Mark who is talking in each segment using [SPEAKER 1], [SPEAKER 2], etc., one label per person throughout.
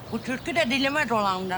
[SPEAKER 1] Bu türkü de dilime dolandı.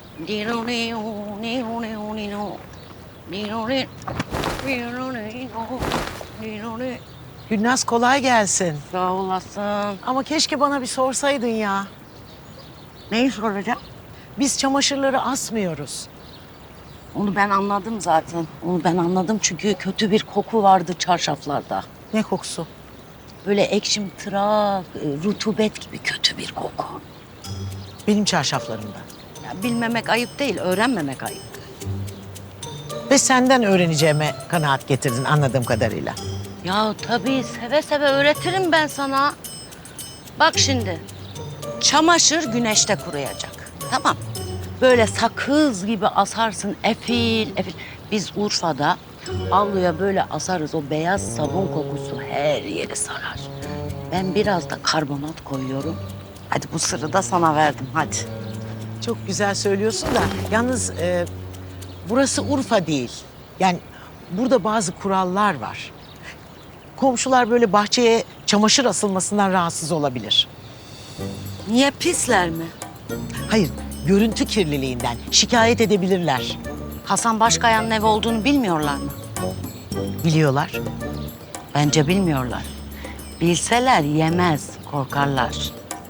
[SPEAKER 2] Gülnaz kolay gelsin.
[SPEAKER 1] Sağ olasın.
[SPEAKER 2] Ama keşke bana bir sorsaydın ya.
[SPEAKER 1] Neyi soracağım?
[SPEAKER 2] Biz çamaşırları asmıyoruz.
[SPEAKER 1] Onu ben anladım zaten. Onu ben anladım çünkü kötü bir koku vardı çarşaflarda.
[SPEAKER 2] Ne kokusu?
[SPEAKER 1] Böyle ekşimtırak, rutubet gibi kötü bir koku.
[SPEAKER 2] Benim çarşaflarımda.
[SPEAKER 1] Ya bilmemek ayıp değil, öğrenmemek ayıp.
[SPEAKER 2] Ve senden öğreneceğime kanaat getirdin anladığım kadarıyla.
[SPEAKER 1] Ya tabii seve seve öğretirim ben sana. Bak şimdi, çamaşır güneşte kuruyacak. Tamam. Böyle sakız gibi asarsın, efil efil. Biz Urfa'da avluya böyle asarız. O beyaz sabun kokusu her yeri sarar. Ben biraz da karbonat koyuyorum. Hadi bu sırrı da sana verdim, hadi.
[SPEAKER 2] Çok güzel söylüyorsun da yalnız burası Urfa değil. Yani burada bazı kurallar var. Komşular böyle bahçeye çamaşır asılmasından rahatsız olabilir.
[SPEAKER 1] Niye pisler mi?
[SPEAKER 2] Hayır, görüntü kirliliğinden şikayet edebilirler.
[SPEAKER 1] Hasan Başkaya'nın evi olduğunu bilmiyorlar mı?
[SPEAKER 2] Biliyorlar.
[SPEAKER 1] Bence bilmiyorlar. Bilseler yemez, korkarlar.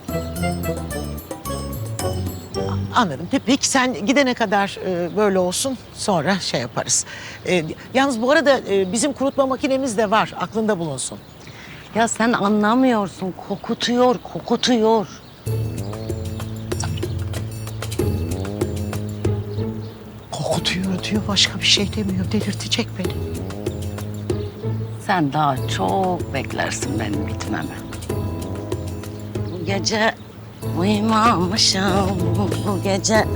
[SPEAKER 2] Anladım. Peki sen gidene kadar böyle olsun. Sonra şey yaparız. Yalnız bu arada bizim kurutma makinemiz de var. Aklında bulunsun.
[SPEAKER 1] Ya sen anlamıyorsun, kokutuyor, kokutuyor.
[SPEAKER 2] Kokutuyor diyor. Başka bir şey demiyor. Delirtecek beni.
[SPEAKER 1] Sen daha çok beklersin benim bitmemi. Bu gece uyumamışım, bu gece...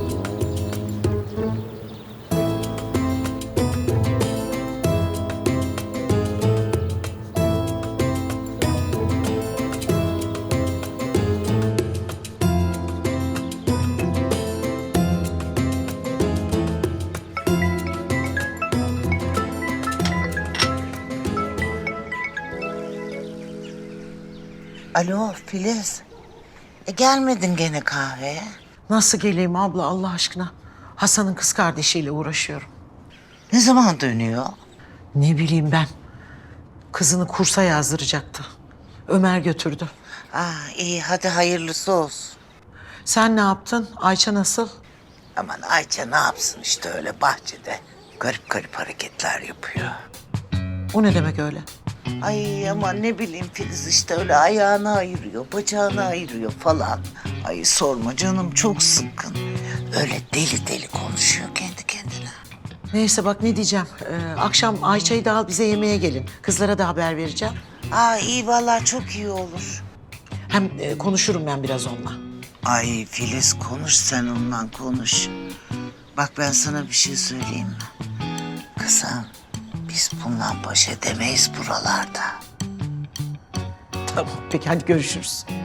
[SPEAKER 3] Alo Filiz. Gelmedin gene kahveye.
[SPEAKER 2] Nasıl geleyim abla Allah aşkına? Hasan'ın kız kardeşiyle uğraşıyorum.
[SPEAKER 3] Ne zaman dönüyor?
[SPEAKER 2] Ne bileyim ben. Kızını kursa yazdıracaktı. Ömer götürdü.
[SPEAKER 3] İyi hadi hayırlısı olsun.
[SPEAKER 2] Sen ne yaptın? Ayça nasıl?
[SPEAKER 3] Aman Ayça ne yapsın işte öyle bahçede. Garip garip hareketler yapıyor.
[SPEAKER 2] O ne demek öyle?
[SPEAKER 3] Ay aman ne bileyim Filiz işte öyle ayağını ayırıyor, bacağını ayırıyor falan. Ay sorma canım çok sıkkın. Öyle deli deli konuşuyor kendi kendine.
[SPEAKER 2] Neyse bak ne diyeceğim. Akşam Ayça'yı da al bize yemeğe gelin. Kızlara da haber vereceğim.
[SPEAKER 3] İyi vallahi çok iyi olur.
[SPEAKER 2] Hem konuşurum ben biraz onunla.
[SPEAKER 3] Ay Filiz konuş sen ondan konuş. Bak ben sana bir şey söyleyeyim mi? Kızım biz bundan baş edemeyiz buralarda.
[SPEAKER 2] Tamam peki hadi görüşürüz.